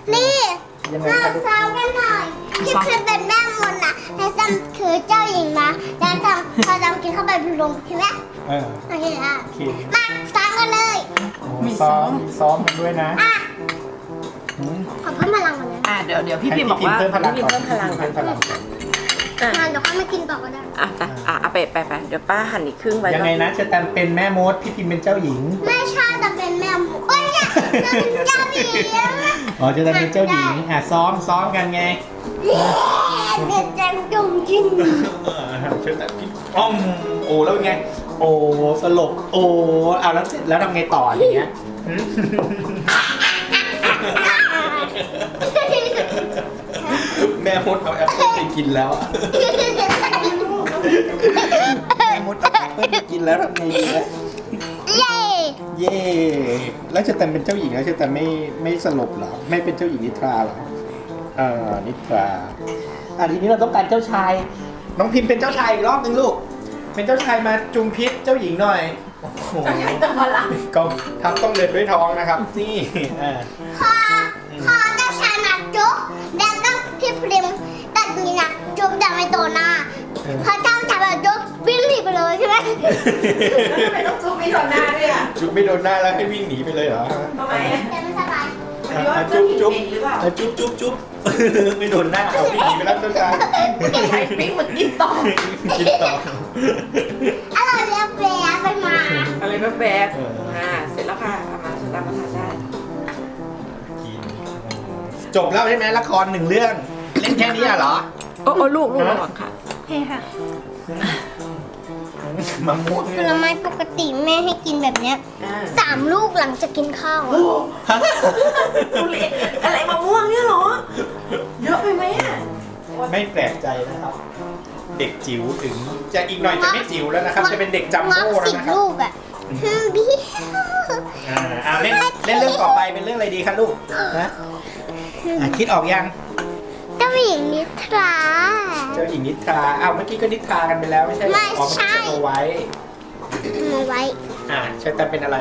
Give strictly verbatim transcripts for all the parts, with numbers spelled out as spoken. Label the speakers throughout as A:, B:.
A: นี่
B: ยังไง
A: มา
B: คะลูก
A: ซ้อมกันหน่อยที่คือเป็นแม่มดนะแต่ซัมคือเจ้าหญิงนะแล้วซัมพอซัมกินเข้าไปเป็นลมใช่ไหม
B: เออ
A: โอเคอ่ะ
B: โอเค
A: มาซ้อมกันเลย
B: โอ้ซ้อมมีซ้อมกันด้วยนะ
A: อ่ะ
B: อืม
A: ขอเพิ่มพลังก่อนนะ
C: อ่ะเดี๋ยวเดี๋ยวพี่พิมพ์บอกว่า
B: ให้พี่พิมพ์เพิ่มพลัง
C: พี่
B: ก่อน
C: พิมพ์เพิ่มพลังก่อน
B: เพิ่มพลังก่อน
C: อ่ะ
A: มาเดี๋ยวค่อยมากินต่อก็ได้
C: อ่ะไปอ่ะเอาไปไปไปเดี๋ยวป้าหั่นอีกครึ่งไว้
B: ยังไงนะเชอแตมเป็นแม่มดพี่พิมเป็นเจ้าหญิง
A: ไม่ใช่แต่เป็นแม่มดโอ้ยเนี่ยจะเป็นเจ้าหญิง
B: อ๋อเชอแตมเป็นเจ้าหญิงอ่ะซ้อมซ้อมกันไง
A: เด็กจังจงจริง
B: เชอแตมกินอ้อมโอ้แล้วเป็นไงโอ้สลบโอ้เอาแล้วเสร็จแล้วทำไงต่ออย่างเงี้ยหืมแม่มดเอาแอปเปิ้ลไปกินแล้วอะแม่มดเอาแอปเปิ้ลไปกินแล้วทำไงดีนะ
A: เย้
B: เย่แล้วเชอแตมเป็นเจ้าหญิงแล้วเชอแตมไม่ไม่สลบเหรอไม่เป็นเจ้าหญิงนิทราเหรอเออนิทราอ่ะทีนี้เราต้องการเจ้าชาย น้องพิมพ์เป็นเจ้าชายอีกรอบนึงลูก เป็นเจ้าชายมาจุมพิษเจ้าหญิงหน่อยโอ้โห
C: เจ้าใหญ่ต้องพลัง
B: ก็ทับต้องเดินด้วยท้องนะครับนี่อ่า
A: พอพอเจ้าชายมาจุ๊บแล้วก็พี่พริมตัดนี้นะจุ๊บแต่ไม่โดนหน้าพอเจ้าชายมาจุ๊บวิ่งหนีไปเลยใช่ไหม
C: แล้วทำไมต้องจุ๊บไม่โดนหน้าด้วยอ่ะ
B: จุ๊บไม่โดนหน้าแล้วให้วิ่งหนีไปเลยเหรอ
C: ทำไมอ่ะ
A: แต่ไม่สบาย
C: หรือว่า
B: อ่ะ
C: เจ้า
B: จุ๊บ
C: หญิง
B: จุ๊บ
C: เองหรือเปล่า
B: อ่ะจุ๊บจุ๊บจุ๊บ ไม่โดนหน้าเอาวิ่งหนีไปแล้วเจ้าชาย
C: ใช้ปิ้งเหมือนกินต่อ
B: กินต่อ
A: อร่อยแล้วแปรไปมา
C: อะไรแบบแบบ
B: เอออ่
C: อ่าเสร็จแล้วค่ะเอามาสตาร์ทมาทานได้
B: จบแล้วใช่ไหมละครหนึ่งเรื่อง เล่นแค่นี้อ่ะเหรอ
C: โอ้โอ้ลูกลูกระวังค่ะ
A: โอเคค่ะ
B: มะม่วง
A: ผลไม้ปกติแม่ให้กินแบบเนี้ย
C: อ่า
A: สามลูกหลังจากกินข้าวอะ
B: ฮะ
C: ทุเรียนอะไรมะม่วงเนี่ยเหรอ เยอะไปไหมอ่ะ
B: ไม่แปลกใจนะครับ เด็กจิ๋วถึงจะอีกหน่อยจะไม่จิ๋วแล้วนะครับ จะเป็นเด็กจัม
A: งับ
B: โบ้แล้ว
A: สิบ
B: นะครับ
A: ลูกอ่ะฮึมบี้
B: อ่าอ่าเล่นเล่นเรื่องต่อไปเป็นเรื่องอะไรดีคะลูกนะอ่ะคิดออกยัง
A: เจ้าหญิงนิทรา
B: เจ้าหญิงนิทราอ้าวเมื่อกี้ก็นิทรากันไปแล้วไม่ใช่เหรอ
A: ไม่
B: อ๋อ
A: ใช่
B: มันสโนไว้
A: มาไว้
B: อ่าเชอแตมเป็นอะไร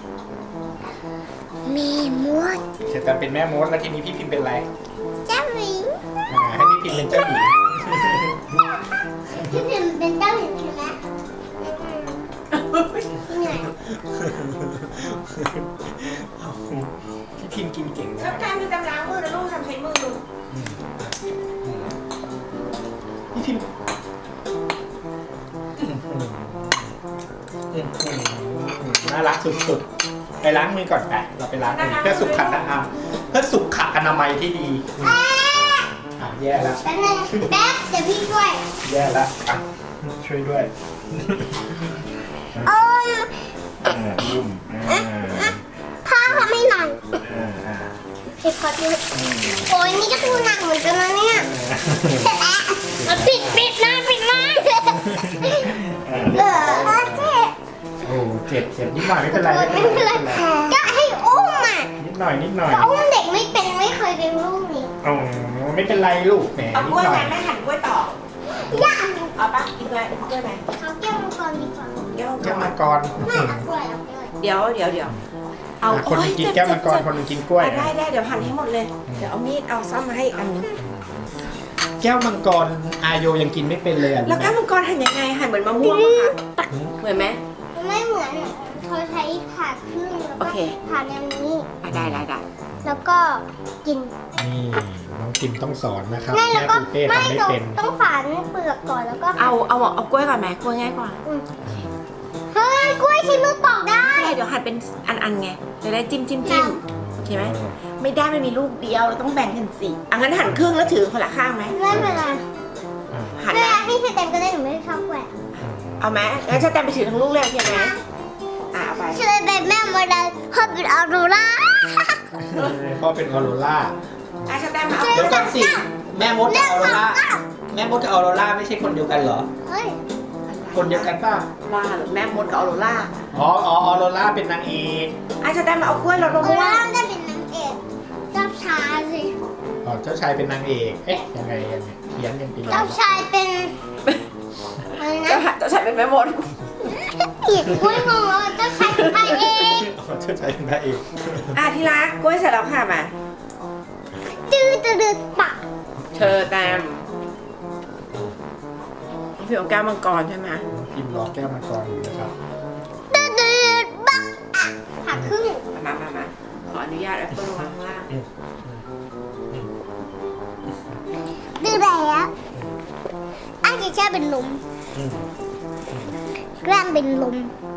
A: มีมด
B: เชอแตมเป็นแม่มดแล้วทีนี้พี่พิมพ์เป็นอะไร
A: เจ้าหญิง
B: อ่าให้พี่พิมพ์เป็นเจ้าหญิง
A: พี่พิมเป็นเจ้าหญิงใช่ไหมเหนื่อย
B: พี่พิมพ์กินเก่ง
C: แล้
B: นะ
C: วการมีกำลังมือนะลูกทำใช้มือ
B: พี่พิมพ์น่ารักสุดๆไปล้างมือก่อนไปเราไปล้างมือเพื่อสุขอนามัยเพื่อสุขอนามัยที่ดีอ่ะแย่แล้ว
A: แป๊บนึงแป๊บเดี๋ยวพี่ช่วย
B: แย่แล้วอ่ะช่วยด้วย
A: โอ้ย
B: อ่าลุ่มอ่า
A: พ่อทำให้หน่อย
B: อ่าอ่า
A: พี่ขอดูโอ้ยนี่ก็ดูหนักเหมือนกันนะเนี่ยเสร็จแล้วเอาปิดปิดหน้าปิดหน้าเออเจ๊
B: โอ้เจ็บเจ็บนิดหน่อยไม่เป็นไร
A: ไม่
B: ไม่
A: เป็
B: เป็น น
A: ไร
B: ไร
A: ก็ให้อุ้มอ่ะ
B: นิดหน่อยนิดหน่อย
A: ก็อุ้มเด็กไม่เป็นไม่เคยเป็นลูกนี่
B: อ๋อไม่เป็นไรลูกแหม
C: เอา
B: นิ
C: ก
B: ด
C: ล้วย
B: หน่
C: ไห
B: อ
C: ม
B: ย
C: แม่หั่นกล้วยต่อ
A: ย่า
C: เอาปะกินกล้วยกล้วยไหม
A: เอาแก้วมังกรดีกว่า
C: แก้ว
B: แก้วมังกร
A: ไม่เอากล้วยเอากล้วย
C: เดี๋ยวเดี๋ยวเดี๋ยว
B: อ่ะคนหนึงกินแก้วมังกรคนหนึงกินกล้วย
C: อ่ะได้ได้เดี๋ยวหั่นให้หมดเลย เดี๋ยวเอามีดเอาซ่อมมาให้อีกอันนึง
B: แก้วมังกรอาโยยังกินไม่เป็นเลยอ่ะ
C: แล้วแก้วมังกรหั่นยังไงหั่นเหมือนมะม่วงปะคะเหมือนไหม
A: ไม่เหมือนอ่ะเขาใช้ผ่าครึ่งแล้ว
C: โอ
A: ก็
C: เค
A: ผ่าแนวนี้
C: อ่ะได้ได้ได้
A: แล้วก็กิน
B: นี่น้องกิมต้องสอนนะครับ
A: ไม่
B: แม่
A: แล้วก็
B: ปูเป้
A: ไม่
B: ทำไม่
A: ต้อง
B: เป็น
A: ต้องฝานเปลือกก่อนแล้วก็
C: เอาเอาเอากล้วยก่อนไหมกล้วยง่ายกว่า
A: อืมเฮ้ยกล้วยใช้มือปอกได้
C: ได้เดี๋ยวหั่นเป็นอันๆไงจะได้จิ้มจิ้มจิ้มโอเคไหมไม่ได้มันมีลูกเดียวเราต้องแบ่งกันสิอ่ะงั้นหั่นครึ่งแล้วถือคนละข้างไหม
A: ไม่เป็นไร
C: หั่น
A: เว
C: นะ
A: ลาให้เธอเต็มก็ได้หนูไม่ได้ชอบแหวก
C: เอาไหมงั้นจะแตมไปถือทั้งลูกเลยโอเคไหมอ่ะเอาไป
A: เชื่อเป็นแม่โมเดลพอเป็นออโรรา
B: พ่อเป็นออโรล่า
C: อ่ะจะแตมมาเอา
B: เดี๋ยวก่อนสิแม่มดกับออโรล่าแม่มดกับออโรล่าไม่ใช่คนเดียวกันเหรอ
A: เฮ้ย
B: คนเดียวกันป่ะ
C: ว่าหรือแม่มดกับออโรล่า
B: อ๋ออ๋อออโรล่าเป็นนางเอก
C: อ่ะจะแตมมาเอากล้วยรส
A: อ
C: มะ
A: อโร
C: ม่ว
A: ราง ได้เป็นนางเอกเจ้าชายสิ
B: อ๋อเจ้าชายเป็นนางเอกเอ๊ะยังไงยังไงเขียนกันไปแล้
A: เจ้าว ชายเป็นอะไร
C: เจ้า
A: นะ
C: ชายเจ้าชายเป็นแม่มด
A: อีกกล้วยงงแล้วเจ้าชายเป็นพระเอก
B: อ๋อเจ้าชายเป็นนางเอก
C: อ่ะที่รักกล้วยเสร็จแล้วค่ะมา
A: ดืดปัก
C: เชอร์แตมน้องพิมเอาแก้วมังกรใช่ไหม
B: พิมพ์รอแก้วมังกรอยู่นะครับ
A: ดืดดืดปักอ่ะหักครึ่ง
C: มามามาขออนุญาตแอปเปิลวางข้างล่าง
A: ดืดแล้วอาจจะแช่เป็นลมแกล้งเป็นลม